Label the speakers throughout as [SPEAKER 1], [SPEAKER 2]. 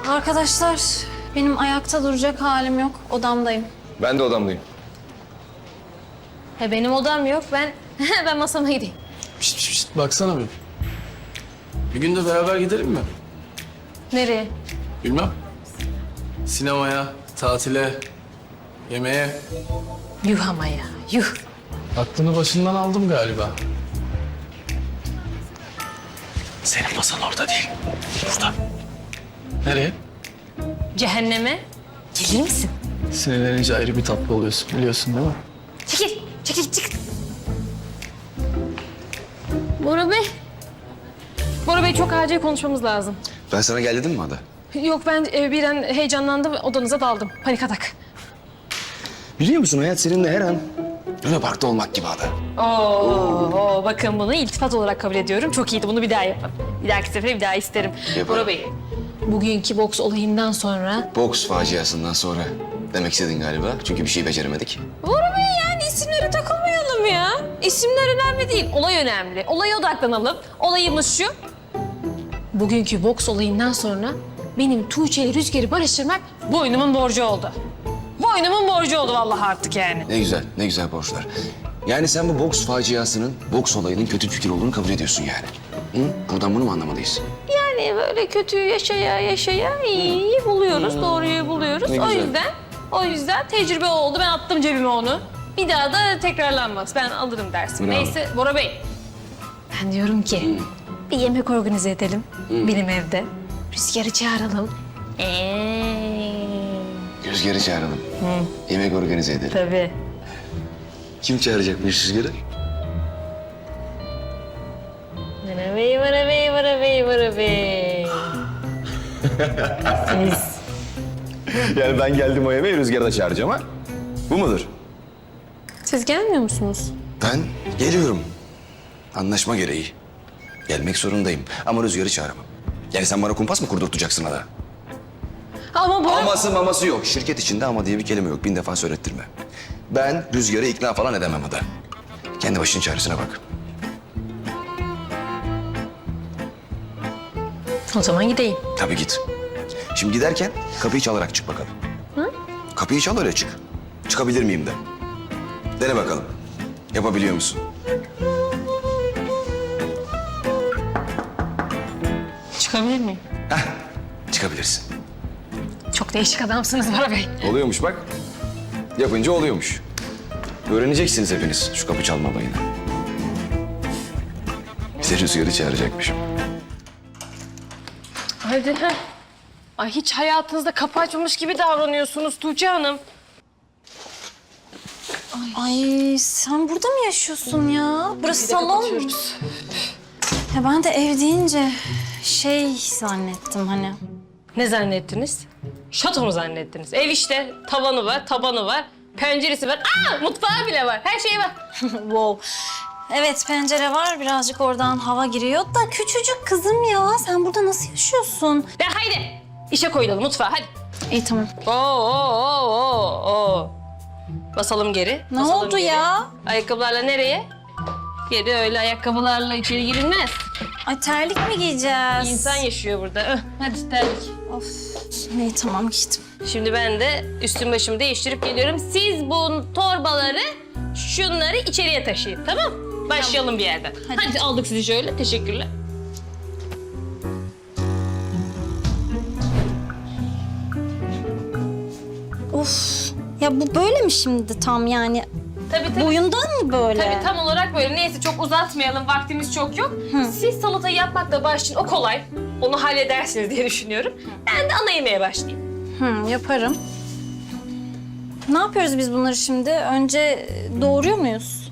[SPEAKER 1] Arkadaşlar, benim ayakta duracak halim yok. Odamdayım.
[SPEAKER 2] Ben de odamdayım.
[SPEAKER 3] Benim odam yok. Ben masama gideyim.
[SPEAKER 4] Şişt, şişt, baksana bir. Bir gün de beraber gidelim mi?
[SPEAKER 3] Nereye?
[SPEAKER 4] Bilmem. Sinemaya, tatile, yemeğe.
[SPEAKER 3] Yuh ama ya, yuh.
[SPEAKER 4] Aklını başından aldım galiba. Senin masan orada değil. Burada. Nereye?
[SPEAKER 3] Cehenneme. Gelir misin?
[SPEAKER 4] Sinirlenince ayrı bir tatlı oluyorsun, biliyorsun değil mi?
[SPEAKER 3] Çekil, çekil, çık. Bora Bey. Bora Bey çok acil konuşmamız lazım.
[SPEAKER 2] Ben sana gel dedim mi Ada?
[SPEAKER 3] Yok ben bir an heyecanlandım, odanıza daldım. Panik atak.
[SPEAKER 2] Biliyor musun hayat seninle her an Luna Park'ta olmak gibi Ada.
[SPEAKER 3] Oo, bakın bunu iltifat olarak kabul ediyorum. Çok iyiydi, bunu bir daha yapın. Bir dahaki sefere bir daha isterim.
[SPEAKER 2] Yaparım.
[SPEAKER 3] Bora Bey, bugünkü boks olayından sonra...
[SPEAKER 2] Boks faciasından sonra demek istedin galiba. Çünkü bir şey beceremedik.
[SPEAKER 3] Bora Bey yani isimlere takılmayalım ya. İsimler önemli değil, olay önemli. Olaya odaklanalım. Olayımız şu. Bugünkü boks olayından sonra benim Tuğçe ile Rüzgar'ı barıştırmak boynumun borcu oldu. Boynumun borcu oldu vallahi artık yani.
[SPEAKER 2] Ne güzel borçlar. Yani sen bu boks faciasının, boks olayının kötü fikir olduğunu kabul ediyorsun yani. Hı? Buradan bunu mu anlamalıyız?
[SPEAKER 3] Yani böyle kötüyü yaşaya iyiyi buluyoruz, doğruyu buluyoruz.
[SPEAKER 2] Ne güzel.
[SPEAKER 3] O yüzden tecrübe oldu. Ben attım cebime onu. Bir daha da tekrarlanmaz. Ben alırım dersimi.
[SPEAKER 2] Bravo.
[SPEAKER 3] Neyse Bora Bey. Ben diyorum ki bir yemek organize edelim benim evde. Rüzgar'ı çağıralım.
[SPEAKER 2] Rüzgar'ı çağıralım. Yemek organize edelim.
[SPEAKER 3] Tabii.
[SPEAKER 2] Kim çağıracakmış Rüzgar'ı?
[SPEAKER 3] Bora Bey. Siz.
[SPEAKER 2] Yani ben geldim o yemeği Rüzgar'ı da çağıracağım ha. Bu mudur?
[SPEAKER 3] Siz gelmiyor musunuz?
[SPEAKER 2] Ben geliyorum. Anlaşma gereği. Gelmek zorundayım ama Rüzgar'ı çağıramam. Yani sen bana kumpas mı kurdurtacaksın Ada?
[SPEAKER 3] Ama Bora...
[SPEAKER 2] Aması yok. Şirket içinde ama diye bir kelime yok. 1000 defa söylettirme. Ben Rüzgar'ı ikna falan edemem Ada. Kendi başının çaresine bak.
[SPEAKER 3] O zaman gideyim.
[SPEAKER 2] Tabii git. Şimdi giderken kapıyı çalarak çık bakalım. Hı? Kapıyı çal öyle çık. Çıkabilir miyim de. Dene bakalım. Yapabiliyor musun?
[SPEAKER 3] Çıkabilir miyim?
[SPEAKER 2] Heh, çıkabilirsin.
[SPEAKER 3] Çok değişik adamsınız Bora Bey.
[SPEAKER 2] Oluyormuş bak. Yapınca oluyormuş. Öğreneceksiniz hepiniz şu kapı çalma olayını. Bize Rüzgar'ı çağıracakmışım.
[SPEAKER 3] Hadi ha. Ay hiç hayatınızda kapı açmamış gibi davranıyorsunuz Tuğçe Hanım.
[SPEAKER 1] Ay sen burada mı yaşıyorsun ya? Burası salon.
[SPEAKER 3] Kapatıyoruz.
[SPEAKER 1] Ya ben de ev deyince şey zannettim hani.
[SPEAKER 3] Ne zannettiniz? Şato mu zannettiniz? Ev işte. Tavanı var, tabanı var. Penceresi var. Mutfağı bile var. Her şey var.
[SPEAKER 1] Wow. Evet pencere var birazcık oradan hava giriyor da küçücük kızım ya. Sen burada nasıl yaşıyorsun?
[SPEAKER 3] De haydi. İşe koyulalım mutfağa hadi.
[SPEAKER 1] İyi tamam.
[SPEAKER 3] Oo. Basalım geri.
[SPEAKER 1] Ne
[SPEAKER 3] basalım
[SPEAKER 1] oldu
[SPEAKER 3] geri.
[SPEAKER 1] ya?
[SPEAKER 3] Ayakkabılarla nereye? Geri öyle ayakkabılarla içeri girilmez.
[SPEAKER 1] Ay terlik mi giyeceğiz?
[SPEAKER 3] İnsan yaşıyor burada. Hadi terlik.
[SPEAKER 1] Of. İyi tamam gittim.
[SPEAKER 3] Şimdi ben de üstüm başımı değiştirip geliyorum. Siz bu torbaları, şunları içeriye taşıyın, tamam? Başlayalım bir yerden. Hadi aldık sizi şöyle. Teşekkürler.
[SPEAKER 1] Of. Ya bu böyle mi şimdi tam yani?
[SPEAKER 3] Tabii.
[SPEAKER 1] Boyundan mı böyle?
[SPEAKER 3] Tabii tam olarak böyle. Neyse çok uzatmayalım. Vaktimiz çok yok. Siz salatayı yapmakla başlayın. O kolay. Onu halledersiniz diye düşünüyorum. Ben de ana yemeğe başlayayım.
[SPEAKER 1] Yaparım. Ne yapıyoruz biz bunları şimdi? Önce doğuruyor muyuz?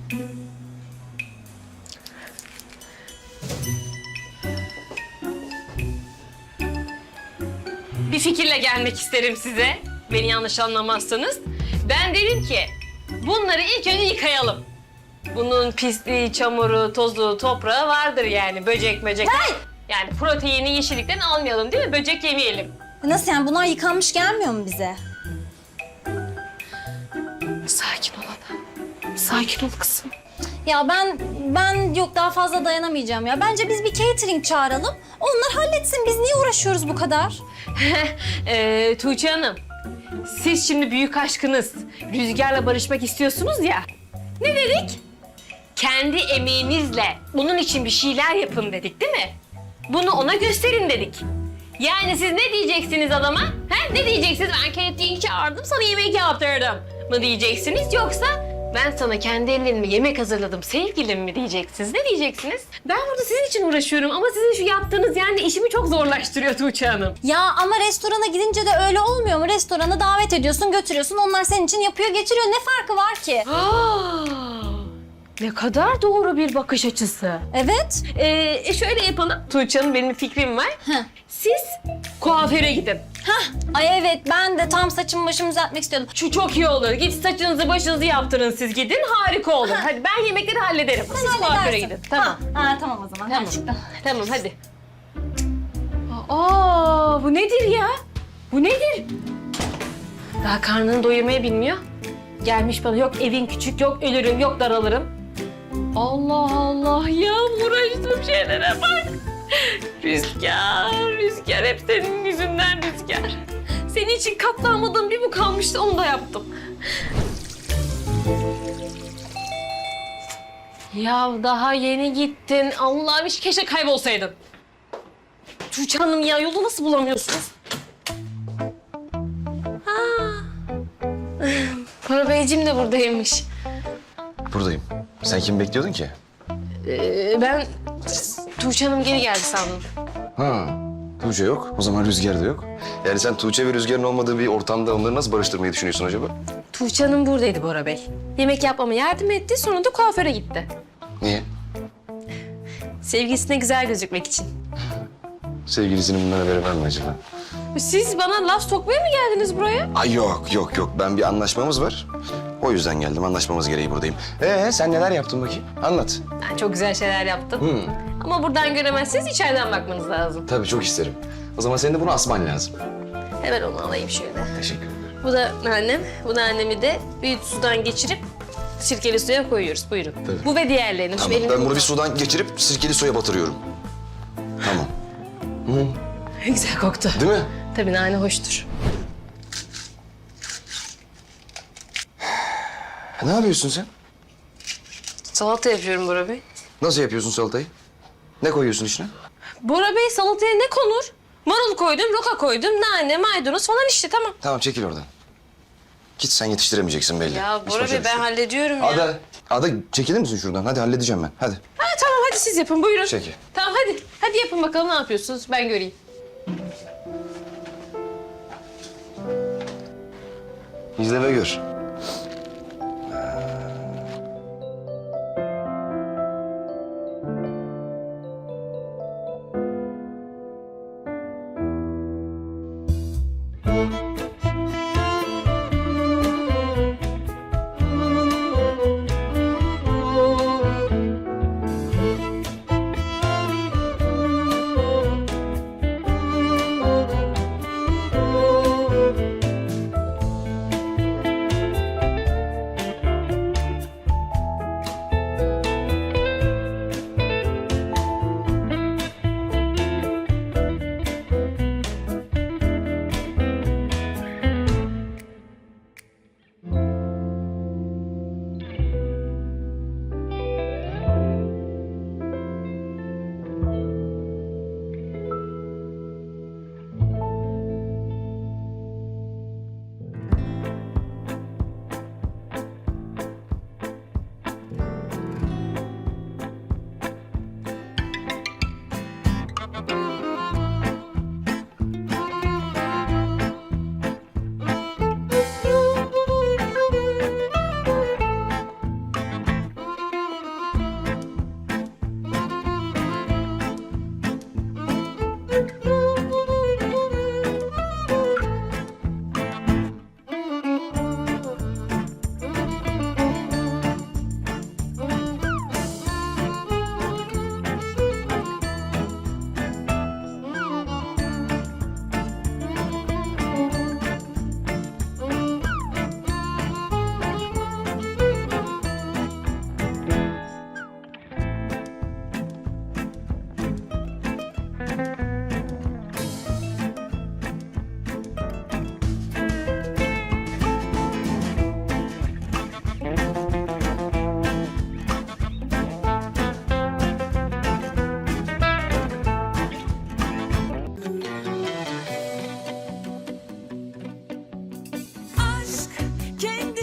[SPEAKER 3] Bir fikirle gelmek isterim size. Beni yanlış anlamazsanız. Ben dedim ki bunları ilk önce yıkayalım. Bunun pisliği, çamuru, tozu, toprağı vardır yani. Böcek.
[SPEAKER 1] Hey!
[SPEAKER 3] Yani proteini yeşillikten almayalım değil mi? Böcek yemeyelim.
[SPEAKER 1] Nasıl yani? Bunlar yıkanmış gelmiyor mu bize?
[SPEAKER 3] Sakin ol ana. Sakin ol kızım.
[SPEAKER 1] Ya ben yok daha fazla dayanamayacağım ya. Bence biz bir catering çağıralım. Onlar halletsin. Biz niye uğraşıyoruz bu kadar?
[SPEAKER 3] Tuğçe Hanım, siz şimdi büyük aşkınız Rüzgar'la barışmak istiyorsunuz ya. Ne dedik? Kendi emeğinizle bunun için bir şeyler yapın dedik değil mi? Bunu ona gösterin dedik. Yani siz ne diyeceksiniz adama? He? Ne diyeceksiniz? Ben catering çağırdım, sana yemek yaptırdım mı diyeceksiniz? Yoksa ben sana kendi ellerimle yemek hazırladım sevgilim mi diyeceksiniz? Ne diyeceksiniz? Ben burada sizin için uğraşıyorum ama sizin şu yaptığınız yani işimi çok zorlaştırıyor Tuğçe Hanım.
[SPEAKER 1] Ya ama restorana gidince de öyle olmuyor mu? Restorana davet ediyorsun, götürüyorsun. Onlar senin için yapıyor, getiriyor. Ne farkı var ki?
[SPEAKER 3] Ne kadar doğru bir bakış açısı.
[SPEAKER 1] Evet.
[SPEAKER 3] Şöyle yapalım. Tuğçe Hanım, benim bir fikrim var.
[SPEAKER 1] Heh.
[SPEAKER 3] Siz kuaföre gidin.
[SPEAKER 1] Ay evet, ben de tam saçımı başımı düzeltmek istiyordum.
[SPEAKER 3] Şu çok iyi olur. Git saçınızı başınızı yaptırın siz gidin. Harika olur. Hadi ben yemekleri hallederim. Siz kuaföre
[SPEAKER 1] halledersin.
[SPEAKER 3] gidin. Tamam.
[SPEAKER 1] Tamam o zaman.
[SPEAKER 3] Tamam.
[SPEAKER 1] Gerçekten.
[SPEAKER 3] Tamam hadi. Aa, bu nedir ya? Bu nedir? Daha karnını doyurmayı bilmiyor. Gelmiş bana yok evin küçük, yok ölürüm, yok daralırım. Allah Allah ya, uğraştığım şeylere bak. Rüzgar hep senin yüzünden Rüzgar. Senin için katlanmadığım bir bu kalmıştı, onu da yaptım. Ya daha yeni gittin. Allah'ım hiç keşke kaybolsaydın. Tuğçe Hanım ya, yolu nasıl bulamıyorsunuz? Bora Beyciğim de buradaymış.
[SPEAKER 2] Buradayım. Sen kimi bekliyordun ki?
[SPEAKER 3] Ben Tuğçe Hanım geri geldi sandım.
[SPEAKER 2] Ha, Tuğçe yok. O zaman Rüzgar da yok. Yani sen Tuğçe ve Rüzgar'ın olmadığı bir ortamda onları nasıl barıştırmayı düşünüyorsun acaba?
[SPEAKER 3] Tuğçe Hanım buradaydı Bora Bey. Yemek yapmama yardım etti, sonra da kuaföre gitti.
[SPEAKER 2] Niye?
[SPEAKER 3] Sevgilisine güzel gözükmek için.
[SPEAKER 2] Sevgilisinin bundan haberi var mı acaba?
[SPEAKER 3] Siz bana laf sokmaya mı geldiniz buraya?
[SPEAKER 2] Ay yok. Ben bir anlaşmamız var. O yüzden geldim. Anlaşmamız gereği buradayım. Sen neler yaptın bakayım? Anlat.
[SPEAKER 3] Ben çok güzel şeyler yaptım. Ama buradan göremezseniz içeriden bakmanız lazım.
[SPEAKER 2] Tabii çok isterim. O zaman senin de bunu asman lazım.
[SPEAKER 3] Hemen onu alayım şöyle.
[SPEAKER 2] Teşekkür ederim.
[SPEAKER 3] Bu da annem. Bu da annemi de bir sudan geçirip sirkeli suya koyuyoruz. Buyurun.
[SPEAKER 2] Tabii.
[SPEAKER 3] Bu ve diğerlerini. Şu
[SPEAKER 2] Tamam,
[SPEAKER 3] elimi
[SPEAKER 2] ben bunu bir sudan geçirip sirkeli suya batırıyorum. Tamam.
[SPEAKER 3] Güzel koktu.
[SPEAKER 2] Değil mi?
[SPEAKER 3] Tabii nane hoştur.
[SPEAKER 2] Ne yapıyorsun sen?
[SPEAKER 3] Salata yapıyorum Bora Bey.
[SPEAKER 2] Nasıl yapıyorsun salatayı? Ne koyuyorsun içine?
[SPEAKER 3] Bora Bey, salataya ne konur? Marul koydum, roka koydum, nane, maydanoz falan işte, tamam.
[SPEAKER 2] Tamam çekil oradan. Git sen yetiştiremeyeceksin belli.
[SPEAKER 3] Ya
[SPEAKER 2] Hiç
[SPEAKER 3] Bora Bey, ben
[SPEAKER 2] başarısın.
[SPEAKER 3] hallediyorum ya.
[SPEAKER 2] Ada çekilir misin şuradan? Hadi halledeceğim ben. Hadi.
[SPEAKER 3] Ha, tamam hadi siz yapın, buyurun.
[SPEAKER 2] Peki.
[SPEAKER 3] Tamam hadi. Hadi yapın bakalım ne yapıyorsunuz, ben göreyim.
[SPEAKER 2] İzle ve gör.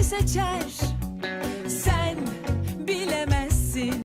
[SPEAKER 5] seçer